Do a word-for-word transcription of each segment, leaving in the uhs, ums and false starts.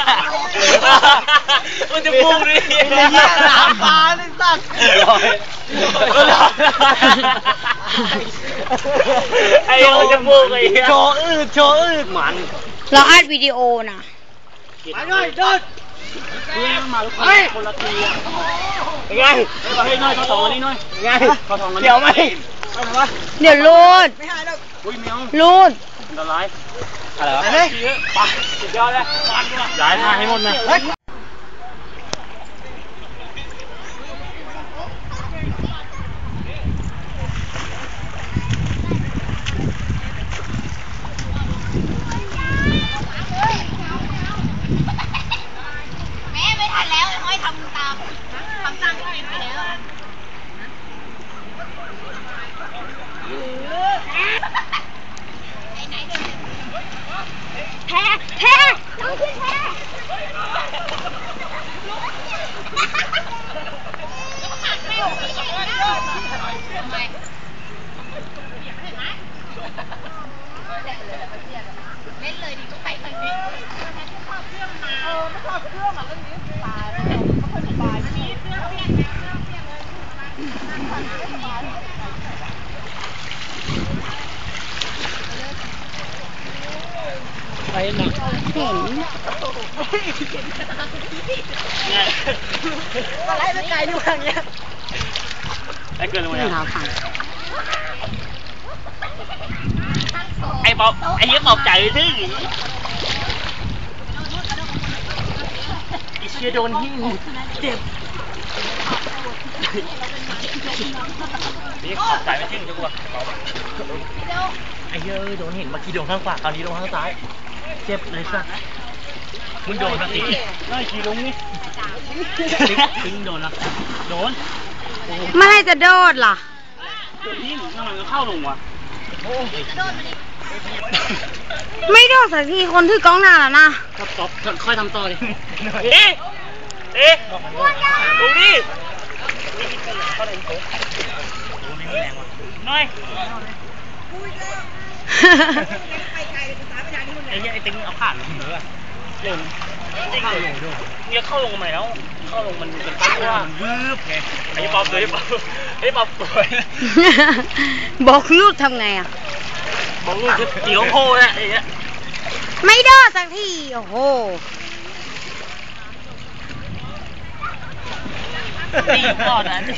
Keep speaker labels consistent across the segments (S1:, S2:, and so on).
S1: มันจะพุ่งดิสามปลาเลยสัตว์ไอ้มันจะพุ่งไอ้โชว์อืดโชว์อืดมัน
S2: เราอัดวิดีโอนะ
S1: ไปเลยเดินเฮ้ยมาลูกคนละทียังไงเฮ้ยน้อยเขาสองอันนี้น้อยยังไงเขาสองอันนี้เดี๋ยวไหม
S2: เดี๋ยวรูดรูด
S1: อะไรอะไรวะไปสุดยอดเลยย้ายมาให้หมดนะ
S2: แพ้แพ้น้องขึ้นแพ้เล่นเลยดิก็ไปทางนี้ไม่ชอบเครื่องมาเออไม่ชอบเครื่องอ่ะเรื่องนี้ตายไม่ค่อยสบายอันนี้เครื่องเปลี่ยนเครื่องเปลี่ยนเลยไปหนักเห็นอะไรเป็นไก่อยู่อย่างเงี้ย
S1: ไอ้เกินเลย
S2: เราฟัง
S1: ไอ้บอกไอ้เหี้ยบอกใจที่ไอ้เชี่ยโดนหิ้งเจ็บนี่ขอบใจไม่ทิ้งจังวะไอ้เหี้ยโดนหินเมื่อกี้โดนข้างขวาคราวนี้โดนข้างซ้ายเจ็บเลยสัสมึงโดนสักทีน้อยขี่ลงนี่ถึงโดนนะโดน
S2: เมื่อไรจะโดดล่ะ
S1: นี่ทำไมก็เข้าลงวะ
S2: ไม่โดดสักทีคนถือกล้องหน้าแล้วนะ
S1: ครับต๊อปค่อยทำต่อดิเอ๊ะเอ๊ะดูดิน้อยไอ้เนี่ยไอ้ติ๊งเอาผ่านหรือว่าลงเข้าลงด้วยเนี่ยเข้าลงทำไมแล้วเข้าลงมันเป็นตั้งว่ามันวืบไงไอ้ป๊อปเลยป๊อปไอ้ป๊อปป่วย
S2: บอกลูกทำไงอ่ะ
S1: บอกลูกคือเตี๋ยวโพนะไอ้เนี่ย
S2: ไม่โดดสักทีโอ้โห
S1: ตีก่อนนะ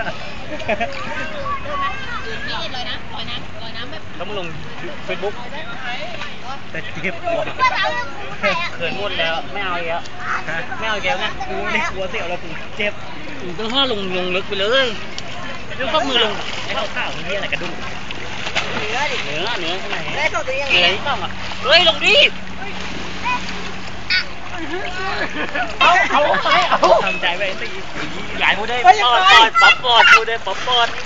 S1: แล้วมึงลงเฟซบุ๊กแต่เจ็บหัวเขินหมดแล้วไม่เอาอีกแล้วไม่เอาอีกแล้วไงกูไม่กลัวเสี่ยวแล้วกูเจ็บกูต้องห้าลงลงลึกไปเลยแล้วก็มือลงไอ้ข้าวๆนี่อะไรกระดุมเนื้อดิเนื้อเนื้อข้างในเนื้อที่ต้องอ่ะเฮ้ยลงดิเอาเอาไปเอาทำใจไปสิใหญ่พูดได้ปอดปอดป๊อปปอดพูดได้ป๊อปปอด